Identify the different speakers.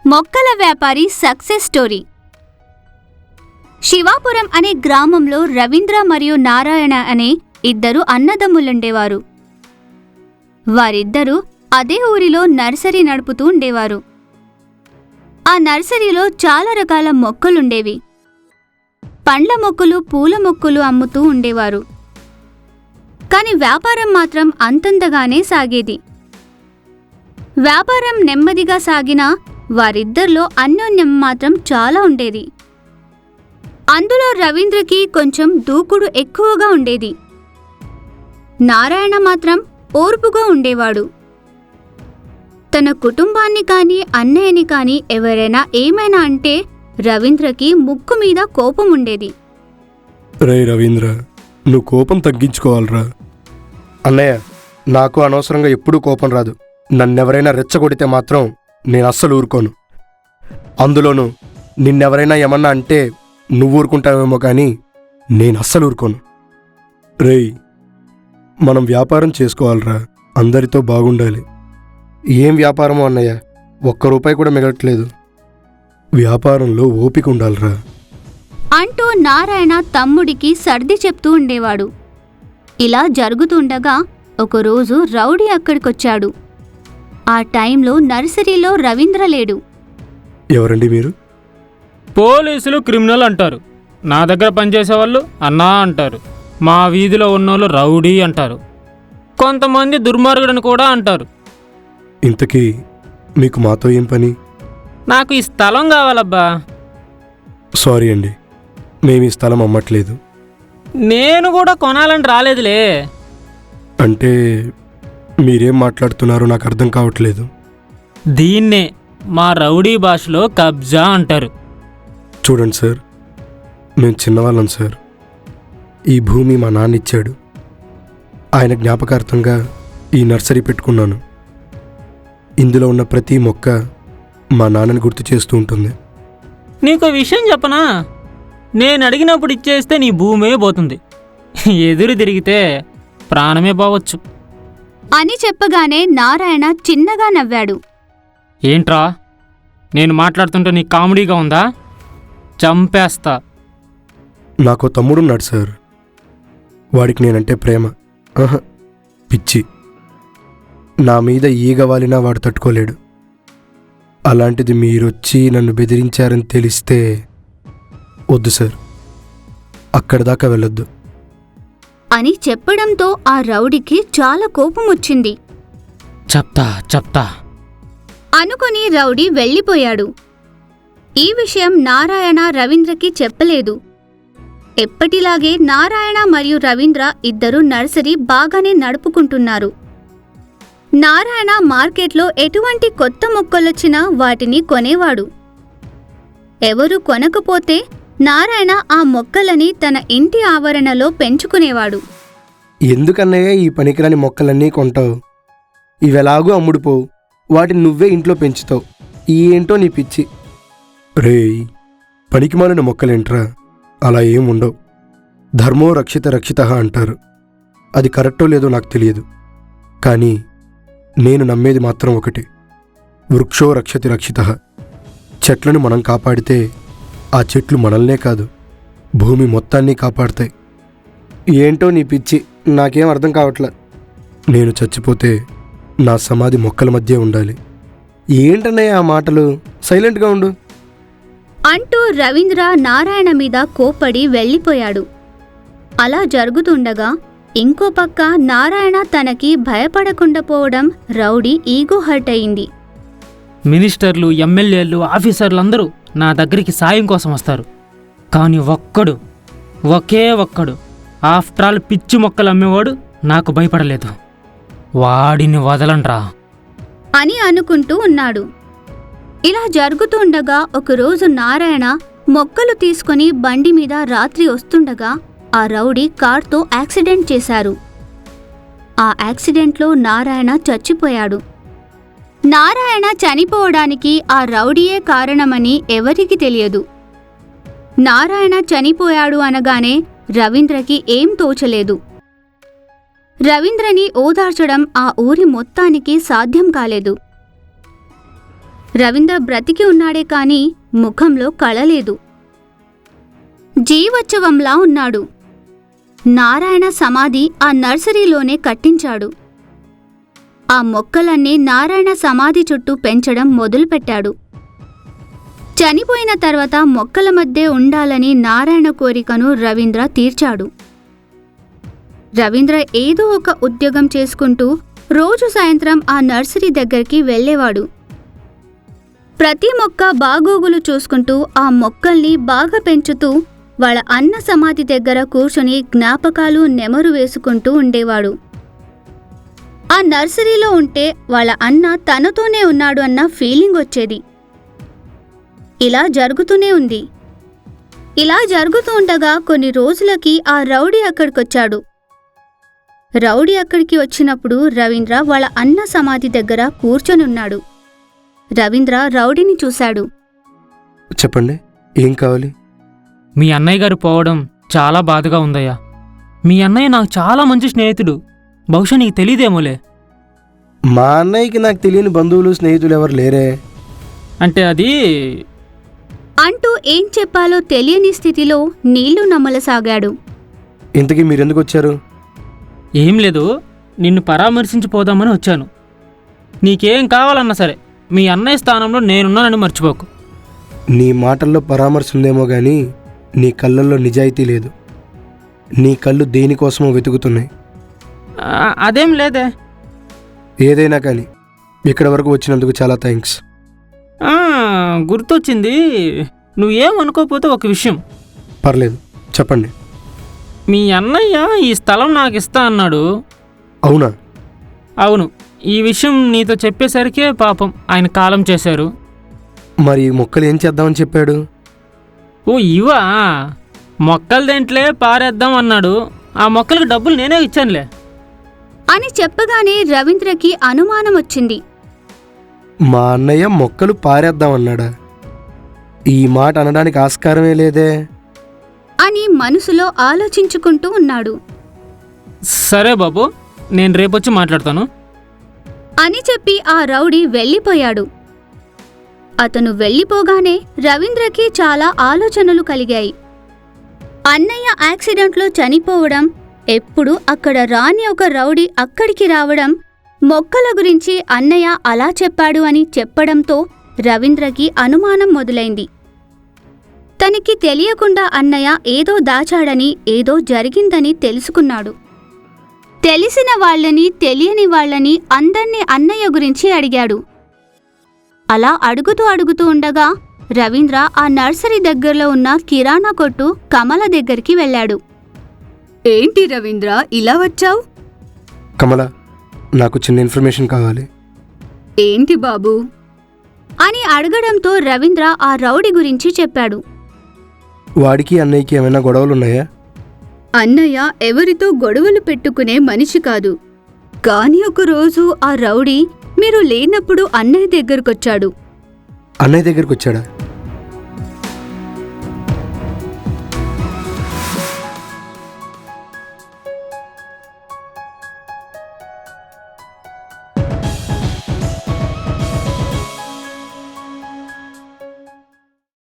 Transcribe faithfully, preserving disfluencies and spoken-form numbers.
Speaker 1: మొక్కల వ్యాపారి success story. Shivapuram అనే గ్రామంలో రవీంద్ర మరియు నారాయణ అనే ఇద్దరు అన్నదమ్ములుండేవారు. వారిద్దరూ అదే ఊరిలో నర్సరీ నడుపుతూ ఉండేవారు. ఆ నర్సరీలో చాలా రకాల మొక్కలుండేవి. పండ్ల మొక్కలు, పూల మొక్కలు అమ్ముతూ ఉండేవారు. కాని వ్యాపారం మాత్రం అంతంతగానే సాగేది. వ్యాపారం నెమ్మదిగా సాగినా వారిద్దరిలో అన్యోన్యం మాత్రం చాలా ఉండేది. అందులో రవీంద్రకి కొంచెం దూకుడు ఎక్కువగా ఉండేది. నారాయణ మాత్రం ఓర్పుగా ఉండేవాడు. తన కుటుంబాన్ని కానీ అన్నయ్యని కానీ ఎవరైనా ఏమైనా అంటే రవీంద్రకి ముక్కు మీద కోపం ఉండేది.
Speaker 2: రే రవీంద్ర, నువ్వు కోపం తగ్గించుకోవాలరా. అన్నయ్య, నాకు అనవసరంగా ఎప్పుడూ కోపం రాదు. నన్నెవరైనా రెచ్చగొడితే మాత్రం నేను అస్సలు ఊరుకోను. అందులోనూ నిన్నెవరైనా ఏమన్నా అంటే నువ్వు ఊరుకుంటావేమో కానీ నేను అస్సలు ఊరుకోను. రేయ్, మనం వ్యాపారం చేసుకోవాలరా. అందరితో బాగుండాలి. ఏం వ్యాపారమో అన్నయ్య, ఒక్క రూపాయి కూడా మిగలట్లేదు. వ్యాపారంలో ఓపిక ఉండాలిరా
Speaker 1: అంటూ నారాయణ తమ్ముడికి సర్ది చెప్తూ ఉండేవాడు. ఇలా జరుగుతుండగా ఒకరోజు రౌడీ అక్కడికొచ్చాడు. ఆ టైంలో నర్సరీలో రవీంద్ర లేడు.
Speaker 2: ఎవరండి మీరు?
Speaker 3: పోలీసులు క్రిమినల్ అంటారు. నా దగ్గర పనిచేసేవాళ్ళు అన్నా అంటారు. మా వీధిలో ఉన్నోళ్ళు రౌడీ అంటారు. కొంతమంది దుర్మార్గుడని కూడా అంటారు.
Speaker 2: ఇంతకీ మీకు మాతో ఏం పని?
Speaker 3: నాకు ఈ స్థలం కావాలబ్బా.
Speaker 2: సారీ అండి, మేము ఈ స్థలం అమ్మట్లేదు.
Speaker 3: నేను కూడా కొనాలని రాలేదులే.
Speaker 2: అంటే మీరేం మాట్లాడుతున్నారో నాకు అర్థం కావట్లేదు.
Speaker 3: దీన్నే మా రౌడీ భాషలో కబ్జా అంటారు.
Speaker 2: చూడండి సార్, మేము చిన్నవాళ్ళం సార్. ఈ భూమి మా నాన్న ఇచ్చాడు. ఆయన జ్ఞాపకార్థంగా ఈ నర్సరీ పెట్టుకున్నాను. ఇందులో ఉన్న ప్రతి మొక్క మా నాన్నని గుర్తు చేస్తూ ఉంటుంది.
Speaker 3: నీకు విషయం చెప్పనా? నేను అడిగినప్పుడు ఇచ్చేస్తే నీ భూమే పోతుంది. ఎదురు తిరిగితే ప్రాణమే పోవచ్చు
Speaker 1: అని చెప్పగానే నారాయణ చిన్నగా నవ్వాడు.
Speaker 3: ఏంట్రా, నేను మాట్లాడుతుంటే నీ కామెడీగా ఉందా? చంపేస్తా.
Speaker 2: నాకు తమ్ముడున్నాడు సార్. వాడికి నేనంటే ప్రేమ, ఆహా పిచ్చి. నా మీద ఈగ వాలినా వాడు తట్టుకోలేడు. అలాంటిది మీరొచ్చి నన్ను బెదిరించారని తెలిస్తే వద్దు సార్, అక్కడి దాకా వెళ్ళొద్దు
Speaker 1: అని చెప్పడంతో ఆ రౌడీకి చాలా కోపం వచ్చింది.
Speaker 3: చెప్తా చెప్తా
Speaker 1: అనుకుని రౌడీ వెళ్ళిపోయాడు. ఈ విషయం నారాయణ రవీంద్రకి చెప్పలేదు. ఎప్పటిలాగే నారాయణ మరియు రవీంద్ర ఇద్దరు నర్సరీ బాగానే నడుపుకుంటున్నారు. నారాయణ మార్కెట్లో ఎటువంటి కొత్త మొక్కలొచ్చినా వాటిని కొనేవాడు. ఎవరు కొనకపోతే నారాయణ ఆ మొక్కలని తన ఇంటి ఆవరణలో పెంచుకునేవాడు.
Speaker 2: ఎందుకన్నయ్య ఈ పనికిరాని మొక్కలన్నీ కొంటావు? ఇవెలాగూ అమ్ముడుపోవు. వాటిని నువ్వే ఇంట్లో పెంచుతావు. ఏంటో నీ పిచ్చి. రేయ్, పనికిమాలిన మొక్కలేంట్రా? అలా ఏం ఉండవు. ధర్మో రక్షిత రక్షిత అంటారు. అది కరెక్టో లేదో నాకు తెలియదు, కానీ నేను నమ్మేది మాత్రం ఒకటి: వృక్షో రక్షతి రక్షిత. చెట్లను మనం కాపాడితే ఆ చెట్లు మనల్నే కాదు, భూమి మొత్తాన్ని కాపాడతాయి. ఏంటో నీ పిచ్చి, నాకేం అర్థం కావట్లే. నేను చచ్చిపోతే నా సమాధి మొక్కల మధ్య ఉండాలి. ఏంటన్నయ్య ఆ మాటలు? సైలెంట్గా ఉండు
Speaker 1: అంటూ రవీంద్ర నారాయణ మీద కోప్పడి వెళ్ళిపోయాడు. అలా జరుగుతుండగా ఇంకో పక్క నారాయణ తనకి భయపడకుండా పోవడం రౌడీ ఈగో హర్ట్ అయింది.
Speaker 3: మినిస్టర్లు, ఎమ్మెల్యేలు, ఆఫీసర్లు అందరూ నా దగ్గరికి సాయం కోసం వస్తారు. కానీ ఒక్కడు, ఒకే ఒక్కడు, ఆఫ్టర్ ఆల్ పిచ్చి మొక్కలు అమ్మేవాడు నాకు భయపడలేదు. వాడిని వదలండ్రా
Speaker 1: అని అనుకుంటూ ఉన్నాడు. ఇలా జరుగుతుండగా ఒకరోజు నారాయణ మొక్కలు తీసుకుని బండి మీద రాత్రి వస్తుండగా ఆ రౌడీ కార్తో యాక్సిడెంట్ చేశారు. ఆ యాక్సిడెంట్లో నారాయణ చచ్చిపోయాడు. నారాయణ చనిపోవడానికి ఆ రౌడీయే కారణమని ఎవరికీ తెలియదు. నారాయణ చనిపోయాడు అనగానే రవీంద్రకి ఏం తోచలేదు. రవీంద్రని ఓదార్చడం ఆ ఊరి మొత్తానికి సాధ్యం కాలేదు. రవీంద్ర బ్రతికి ఉన్నాడే కాని ముఖంలో కళలేదు. జీవోత్సవంలా ఉన్నాడు. నారాయణ సమాధి ఆ నర్సరీలోనే కట్టించాడు. ఆ మొక్కలన్నీ నారాయణ సమాధి చుట్టూ పెంచడం మొదలుపెట్టాడు. చనిపోయిన తర్వాత మొక్కల మధ్య ఉండాలని నారాయణ కోరికను రవీంద్ర తీర్చాడు. రవీంద్ర ఏదో ఒక ఉద్యోగం చేసుకుంటూ రోజు సాయంత్రం ఆ నర్సరీ దగ్గరికి వెళ్ళేవాడు. ప్రతి మొక్క బాగోగులు చూసుకుంటూ ఆ మొక్కల్ని బాగా పెంచుతూ వాళ్ళ అన్న సమాధి దగ్గర కూర్చుని జ్ఞాపకాలు నెమరు వేసుకుంటూ ఉండేవాడు. ఆ నర్సరీలో ఉంటే వాళ్ళ అన్న తనతోనే ఉన్నాడు అన్న ఫీలింగ్ వచ్చేది. ఇలా జరుగుతూనే ఉంది. ఇలా జరుగుతూ ఉండగా కొన్ని రోజులకి ఆ రౌడీ అక్కడికొచ్చాడు. రౌడీ అక్కడికి వచ్చినప్పుడు రవీంద్ర వాళ్ళ అన్న సమాధి దగ్గర కూర్చొనున్నాడు. రవీంద్ర రౌడీని చూశాడు.
Speaker 2: చెప్పండి, ఏం కావాలి?
Speaker 3: మీ అన్నయ్య గారు పోవడం చాలా బాధగా ఉందయ్యా. మీ అన్నయ్య నాకు చాలా మంచి స్నేహితుడు. బహుశా నీకు తెలియదేమోలే.
Speaker 2: మా అన్నయ్యకి నాకు తెలియని బంధువులు స్నేహితులు ఎవరు లేరే.
Speaker 3: అంటే అది
Speaker 1: అంటూ ఏం చెప్పాలో తెలియని స్థితిలో నీళ్లు నమ్మలసాగాడు.
Speaker 2: ఇంతకీ మీరెందుకు వచ్చారు?
Speaker 3: ఏం లేదు, నిన్ను పరామర్శించిపోదామని వచ్చాను. నీకేం కావాలన్నా సరే మీ అన్నయ్య స్థానంలో నేనున్నానని మర్చిపోకు.
Speaker 2: నీ మాటల్లో పరామర్శ ఉందేమో గానీ నీ కళ్ళల్లో నిజాయితీ లేదు. నీ కళ్ళు దేనికోసమో వెతుకుతున్నాయి.
Speaker 3: ఆ, అదేం లేదే.
Speaker 2: ఏదైనా కానీ ఇక్కడ వరకు వచ్చినందుకు చాలా థ్యాంక్స్.
Speaker 3: ఆ, గుర్తొచ్చింది. నువ్వేమనుకోకపోతే ఒక విషయం.
Speaker 2: పర్లేదు, చెప్పండి.
Speaker 3: మీ అన్నయ్య ఈ స్థలం నాకు ఇస్తా అన్నాడు.
Speaker 2: అవునా?
Speaker 3: అవును. ఈ విషయం నీతో చెప్పేసరికే పాపం ఆయన కాలం చేశారు.
Speaker 2: మరి ఈ మొక్కలు ఏం చేద్దామని చెప్పాడు?
Speaker 3: ఓ ఇవా, మొక్కలు దేంట్లే పారేద్దాం అన్నాడు. ఆ మొక్కలకు డబ్బులు నేనే ఇచ్చానులే
Speaker 1: అని చెప్పగానే రవీంద్రకి అనుమానం వచ్చింది.
Speaker 2: మా అన్నయ్య మొక్కలు పారేద్దామన్నాడా? ఈ మాట అనడానికి ఆస్కారమే లేదే
Speaker 1: అని మనసులో ఆలోచించుకుంటూ ఉన్నాడు.
Speaker 3: సరే బాబు, నేను రేపొచ్చి మాట్లాడతాను
Speaker 1: అని చెప్పి ఆ రౌడీ వెళ్ళిపోయాడు. అతను వెళ్ళిపోగానే రవీంద్రకి చాలా ఆలోచనలు కలిగాయి. అన్నయ్య యాక్సిడెంట్లో చనిపోవడం, ఎప్పుడు అక్కడ రాని ఒక రౌడీ అక్కడికి రావడం, మొక్కల గురించి అన్నయ్య అలా చెప్పాడు అని చెప్పడంతో రవీంద్రకి అనుమానం మొదలైంది. తనకి తెలియకుండా అన్నయ్య ఏదో దాచాడని, ఏదో జరిగిందని తెలుసుకున్నాడు. తెలిసిన వాళ్ళని, తెలియని వాళ్ళని అందర్నీ అన్నయ్య గురించి అడిగాడు. అలా అడుగుతూ అడుగుతూ ఉండగా రవీంద్ర ఆ నర్సరీ దగ్గరలో ఉన్న కిరాణా కొట్టు కమల దగ్గరికి వెళ్ళాడు. ఏంటి రవీంద్ర ఇలా వచ్చావు?
Speaker 2: కమల, నాకు చిన్న ఇన్ఫర్మేషన్ కావాలి.
Speaker 1: ఏంటి బాబూ అని అడగడంతో రవీంద్ర ఆ రౌడీ గురించి చెప్పాడు.
Speaker 2: వాడికి అన్నయ్యకి ఏమైనా గొడవలున్నాయా?
Speaker 1: అన్నయ్య ఎవరితో గొడవలు పెట్టుకునే మనిషి కాదు. కాని ఒకరోజు ఆ రౌడీ మీరు లేనప్పుడు అన్నయ్య దగ్గరకొచ్చాడు.
Speaker 2: అన్నయ్య దగ్గరికి వచ్చాడా?